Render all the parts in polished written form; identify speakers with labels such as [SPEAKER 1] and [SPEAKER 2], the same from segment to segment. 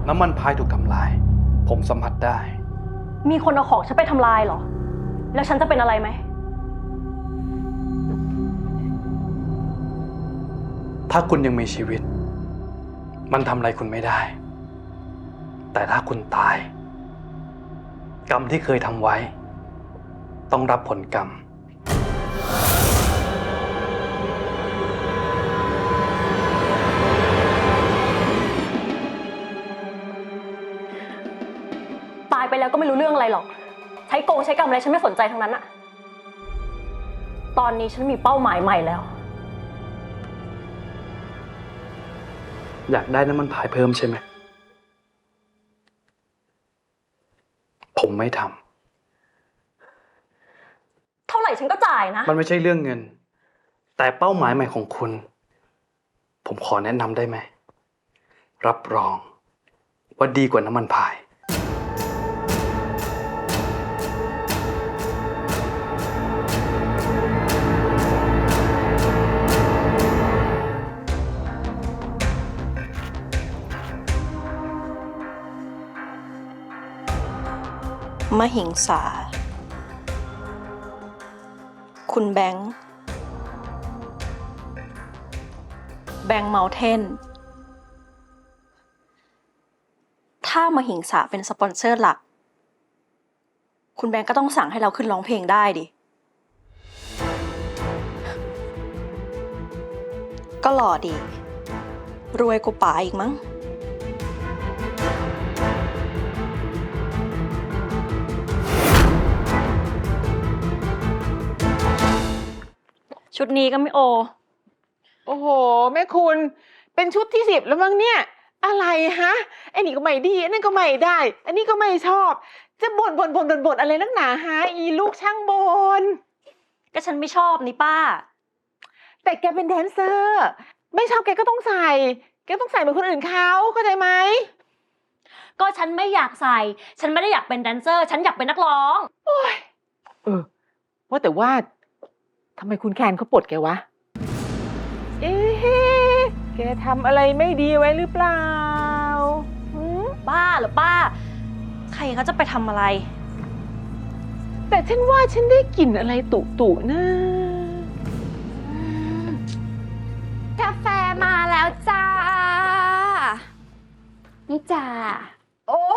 [SPEAKER 1] น้ำมันพายถูกทำลายผมสัมผัสได้
[SPEAKER 2] มีคนเอาของฉันไปทำลายเหรอแล้วฉันจะเป็นอะไรไหม
[SPEAKER 1] ถ้าคุณยังมีชีวิตมันทำอะไรคุณไม่ได้แต่ถ้าคุณตายกรรมที่เคยทำไว้ต้องรับผลกรรม
[SPEAKER 2] ตายไปแล้วก็ไม่รู้เรื่องอะไรหรอกใช้โกงใช้กรรมอะไรฉันไม่สนใจทั้งนั้นอะตอนนี้ฉันมีเป้าหมายใหม่แล้ว
[SPEAKER 1] อยากได้น้ำมันพายเพิ่มใช่ไหมผมไม่ท
[SPEAKER 2] เท่าไหร่ฉันก็จ่ายนะ
[SPEAKER 1] ำมันไม่ใช่เรื่องเงินแต่เป้าหมายใหม่ของคุณผมขอแนะนำได้ไหมรับรองว่าดีกว่าน้ำมันพาย
[SPEAKER 2] มหิงสาคุณแบงค์เมาเทนถ้ามหิงสาเป็นสปอนเซอร์หลักคุณแบงค์ก็ต้องสั่งให้เราขึ้นร้องเพลงได้ดิก็หล่อดีรวยกว่าป๋าอีกมั้งชุดนี้ก็ไม่โอ
[SPEAKER 3] โอ้โหแม่คุณเป็นชุดที่10แล้วมั้งเนี่ยอะไรฮะไอ้นี่ก็ไม่ดีอันนั้นก็ไม่ได้อันนี้ก็ไม่ชอบจะบ่นอะไรนักหนาฮะอีลูกช่างบ่น
[SPEAKER 2] ก็ฉันไม่ชอบนี่ป้า
[SPEAKER 3] แต่แกเป็นแดนเซอร์ไม่ชอบแกก็ต้องใส่แกต้องใส่เหมือนคนอื่นเขาเข้าใจไหม
[SPEAKER 2] ก็ฉันไม่อยากใส่ฉันไม่ได้อยากเป็นแดนเซอร์ฉันอยากเป็นนักร้อง
[SPEAKER 3] โอ้ยว่าแต่ว่าทำไมคุณแคนเขาปลดแกวะเอ๊ะแกทำอะไรไม่ดีไว้หรือเปล่า
[SPEAKER 2] บ้าเหรอป้าใครเขาจะไปทำอะไร
[SPEAKER 3] แต่ฉันว่าฉันได้กลิ่นอะไรตุนะ
[SPEAKER 4] กาแฟมาแล้วจ้านี่จ้า
[SPEAKER 3] โอ้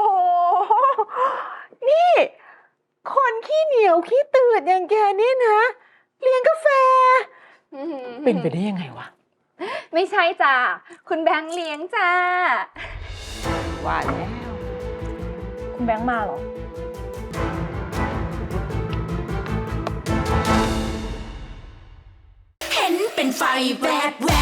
[SPEAKER 3] นี่คนขี้เหนียวขี้ตืดอย่างแกนี่นะเลี้ยงกาแฟเป็นไปได้ยังไงวะ
[SPEAKER 4] ไม่ใช่จ้าคุณแบงค์เลี้ยงจ้า
[SPEAKER 3] ว่าแล้ว
[SPEAKER 2] คุณแบงค์มาเหรอ
[SPEAKER 5] เห็นเป็นไฟแวบ